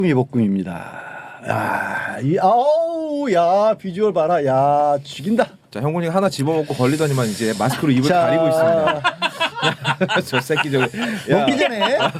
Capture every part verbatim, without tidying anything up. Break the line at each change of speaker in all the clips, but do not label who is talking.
볶음입니다. 야, 이 아우, 야 비주얼 봐라, 야 죽인다.
자, 형군이가 하나 집어먹고 걸리더니만 이제 마스크로 입을
자,
가리고 있습니다. 저 새끼 저기.
먹기 전에
야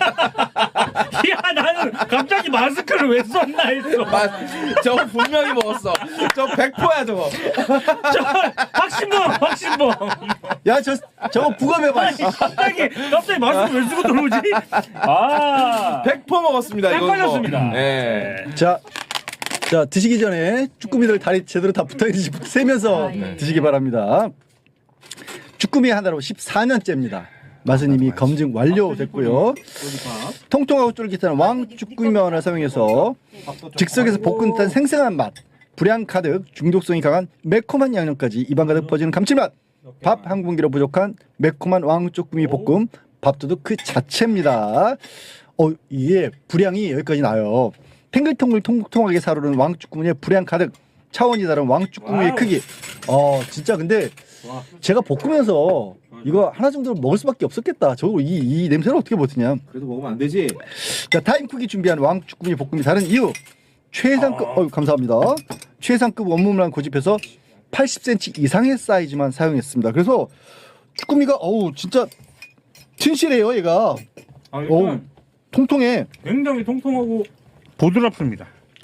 나는 갑자기 마스크를 왜 썼나 했어.
마, 저거 분명히 먹었어. 저 백 퍼센트야 저거.
저 박신범 박신범.
야 저 저거 부검해봐.
갑자기 갑자기 마스크 왜 쓰고 들어오지? 아
백 퍼센트 먹었습니다. 이거
헷갈렸습니다.
네.
자, 자 드시기 전에 쭈꾸미들 다리 제대로 다 붙어있는지 세면서
아, 예.
드시기 바랍니다. 쭈꾸미 하나로 십사 년째입니다. 맛은 이미 검증 완료됐고요. 통통하고 쫄깃한 왕 쭈꾸미면을 사용해서 즉석에서 볶은 듯한 생생한 맛, 불향 가득, 중독성이 강한 매콤한 양념까지 입안 가득 퍼지는 감칠맛, 밥 한 공기로 부족한 매콤한 왕 쭈꾸미 볶음, 밥도둑 그 자체입니다. 어, 이게 불향이 여기까지 나요. 탱글탱글 통통하게 사르는 왕 쭈꾸미의 불향 가득, 차원이 다른 왕 쭈꾸미의 크기. 어, 진짜 근데 제가 볶으면서 이거 하나 정도 먹을 수밖에 없었겠다. 저거 이, 이 냄새를 어떻게 버티냐.
그래도 먹으면 안 되지.
자, 타임쿡이 준비한 왕 쭈꾸미 볶음이 다른 이유. 최상급, 어 감사합니다. 최상급 원무만 고집해서 팔십 센티미터 이상의 사이즈만 사용했습니다. 그래서 쭈꾸미가 어우 진짜 튼실해요, 얘가.
아,
어우
일단
통통해.
굉장히 통통하고 부드럽습니다.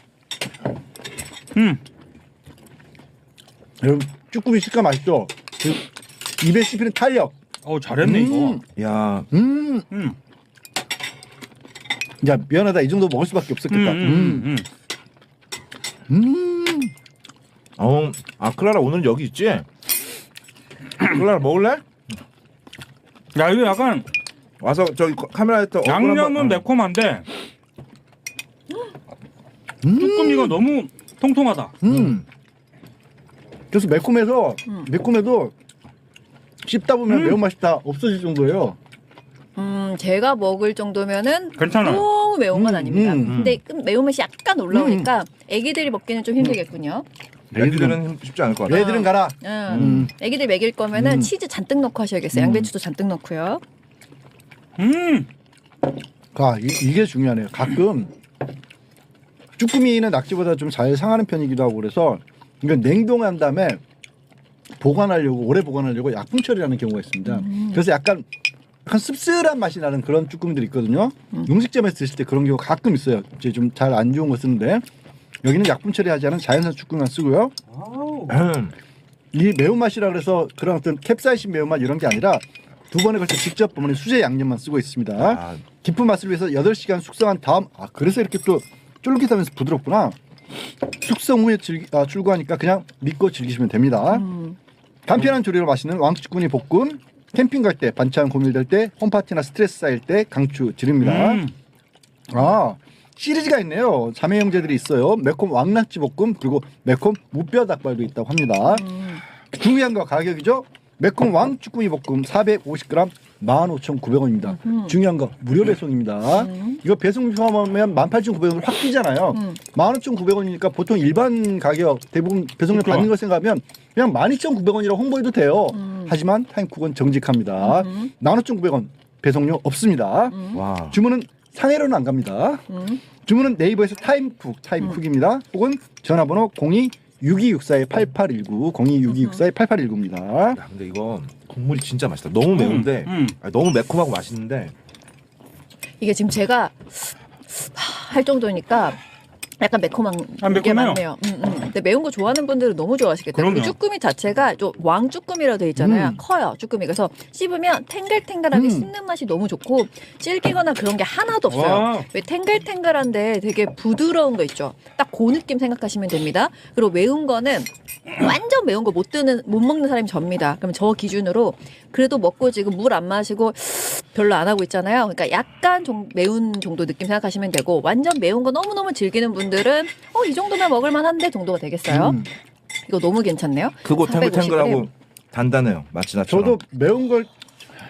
음.
여러분 쭈꾸미 식감 맛있죠? 그 입에 씹히는 탄력.
어 잘했네
음.
이거.
야,
음.
음.
야 미안하다, 이 정도 먹을 수밖에 없었겠다.
음, 음, 음.
음.
어, 아 클라라 오늘 여기 있지? 클라라 먹을래?
야 이거 약간
와서 저기 카메라에 또 얼굴
양념은
한번- 어.
매콤한데 쭈꾸미가 너무 통통하다.
음. 그래서 매콤해서 매콤해도 씹다 보면
음.
매운맛이 다 없어질 정도예요.
음, 제가 먹을 정도면은
괜찮아요.
너무 매운 건
음,
아닙니다.
음,
음.
근데 그 매운맛이 약간 올라오니까 애기들이 먹기는 좀 힘들겠군요.
애기들은 쉽지 않을 것 같아.
애들은 가라.
음.
음.
애기들 먹일 거면은
음.
치즈 잔뜩 넣고 하셔야겠어요.
음.
양배추도 잔뜩 넣고요.
음.
아, 이, 이게 중요하네요. 가끔 쭈꾸미는 낙지보다 좀 잘 상하는 편이기도 하고 그래서 이건 냉동한 다음에 보관하려고 오래 보관하려고 약품 처리하는 경우가 있습니다. 그래서 약간 약간 씁쓸한 맛이 나는 그런 쭈꾸미들이 있거든요. 음식점에서 드실 때 그런 경우가 가끔 있어요. 이제 좀 잘 안 좋은 거 쓰는데 여기는 약품 처리하지 않은 자연산 쭈꾸미만 쓰고요.
음.
이 매운맛이라 그래서 그런 어떤 캡사이신 매운맛 이런 게 아니라 두 번에 걸쳐 직접 버무린 수제 양념만 쓰고 있습니다.
아,
깊은 맛을 위해서 여덟 시간 숙성한 다음, 아 그래서 이렇게 또 쫄깃하면서 부드럽구나. 숙성 후에 즐기, 아, 출고하니까 그냥 믿고 즐기시면 됩니다.
음.
간편한 조리로 맛있는 왕쭈꾸미 볶음, 캠핑 갈 때, 반찬 고밀될 때, 홈파티나 스트레스 쌓일 때 강추 드립니다.
음.
아, 시리즈가 있네요. 자매 형제들이 있어요. 매콤 왕낙지 볶음, 그리고 매콤 무뼈 닭발도 있다고 합니다.
음.
중요한 거 가격이죠. 매콤 왕쭈꾸미 볶음 사백오십 그램 만 오천구백 원입니다.
음흠.
중요한 거 무료 배송입니다.
음.
이거 배송 포함하면 만 팔천구백 원 확 뛰잖아요.
음.
만 오천구백 원이니까 보통 일반 가격 대부분 배송료
그렇죠.
받는 걸 생각하면 그냥 만 이천구백 원이라고 홍보해도 돼요.
음.
하지만 타임쿡은 정직합니다.
음.
만 오천구백 원 배송료 없습니다.
음.
와.
주문은 상해로는 안 갑니다.
음.
주문은 네이버에서 타임쿡, 타임쿡입니다. 혹은 전화번호 공이 육이육사 팔팔일구, 공이 육이육사 팔팔일구입니다.
야, 근데 이거 국물이 진짜 맛있다. 너무 매운데,
음.
아니, 너무 매콤하고 맛있는데.
이게 지금 제가 할 정도니까 약간 매콤한
아,
게
매콤해요.
많네요. 음, 음. 근데 매운 거 좋아하는 분들은 너무 좋아하시겠다.
그럼요.
그리고 쭈꾸미 자체가 좀 왕쭈꾸미라고 돼 있잖아요.
음.
커요, 쭈꾸미. 그래서 씹으면 탱글탱글하게
음.
씹는 맛이 너무 좋고 질기거나 그런 게 하나도 없어요.
와.
왜 탱글탱글한데 되게 부드러운 거 있죠. 딱 그 느낌 생각하시면 됩니다. 그리고 매운 거는 완전 매운 거 못 드는 못 먹는 사람이 접니다. 그럼 저 기준으로 그래도 먹고 지금 물 안 마시고 별로 안 하고 있잖아요. 그러니까 약간 좀 매운 정도 느낌 생각하시면 되고 완전 매운 거 너무너무 즐기는 분들은 어, 이 정도면 먹을 만한데 정도가 되겠어요.
음.
이거 너무 괜찮네요.
그거
사백오십 그램.
탱글탱글하고 단단해요. 마치 나처럼.
저도 매운 걸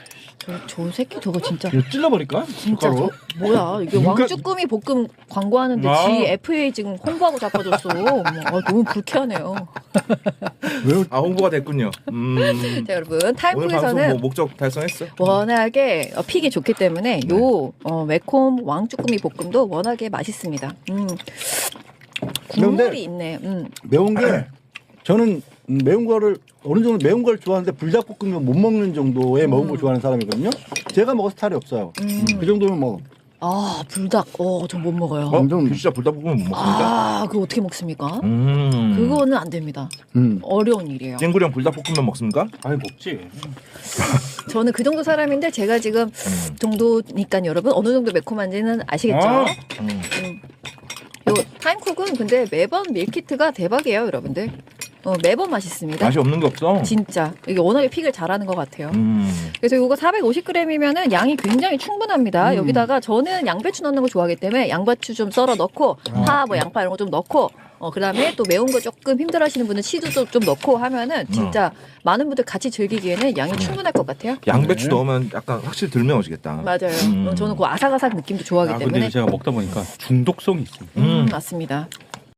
저, 저 새끼 저거 진짜
이거 찔러버릴까?
진짜 저 뭐야 이게
눈가-
왕쭈꾸미 볶음 광고하는데
아.
지 에프에이 지금 홍보하고 자빠졌어. 어머, 아, 너무 불쾌하네요.
아 홍보가 됐군요. 음.
자 여러분
오늘 방송
타임쿠에서는
뭐 목적 달성했어.
워낙에 어, 픽이 좋기 때문에 요 어, 매콤 왕쭈꾸미 볶음도 워낙에 맛있습니다. 음. 국물이
그런데
있네. 음.
매운 게 저는 음, 매운 거를 어느 정도 매운 걸 좋아하는데 불닭볶음면 못 먹는 정도의 매운 걸 좋아하는 사람이거든요. 제가 먹을 스타일이 없어요.
음.
그 정도면 뭐
아 불닭. 어, 전 못 먹어요.
어?
완전-
진짜 불닭볶음면 못 먹습니다.
아, 그거 어떻게 먹습니까?
음.
그거는 안 됩니다.
음.
어려운 일이에요.
찐구령 불닭볶음면 먹습니까?
아니 먹지.
저는 그 정도 사람인데 제가 지금
음.
정도니까 여러분 어느 정도 매콤한지는 아시겠죠?
아.
음.
요 타임쿡은 근데 매번 밀키트가 대박이에요, 여러분들. 어, 매번 맛있습니다.
맛이 없는 게 없어.
진짜 이게 워낙에 픽을 잘하는 것 같아요.
음.
그래서 이거 사백오십 그램이면은 양이 굉장히 충분합니다.
음.
여기다가 저는 양배추 넣는 거 좋아하기 때문에 양배추 좀 썰어 넣고 파, 뭐 양파 이런 거 좀 넣고 어 그다음에 또 매운 거 조금 힘들어하시는 분은 치즈도 좀 넣고 하면은 진짜 많은 분들 같이 즐기기에는 양이 충분할 것 같아요.
양배추
네.
넣으면 약간 확실히 덜 매워지겠다.
맞아요.
음.
어, 저는 그 아삭아삭 느낌도 좋아하기
아
때문에
근데 제가 먹다 보니까 중독성이 있습니다.
음,
음.
맞습니다.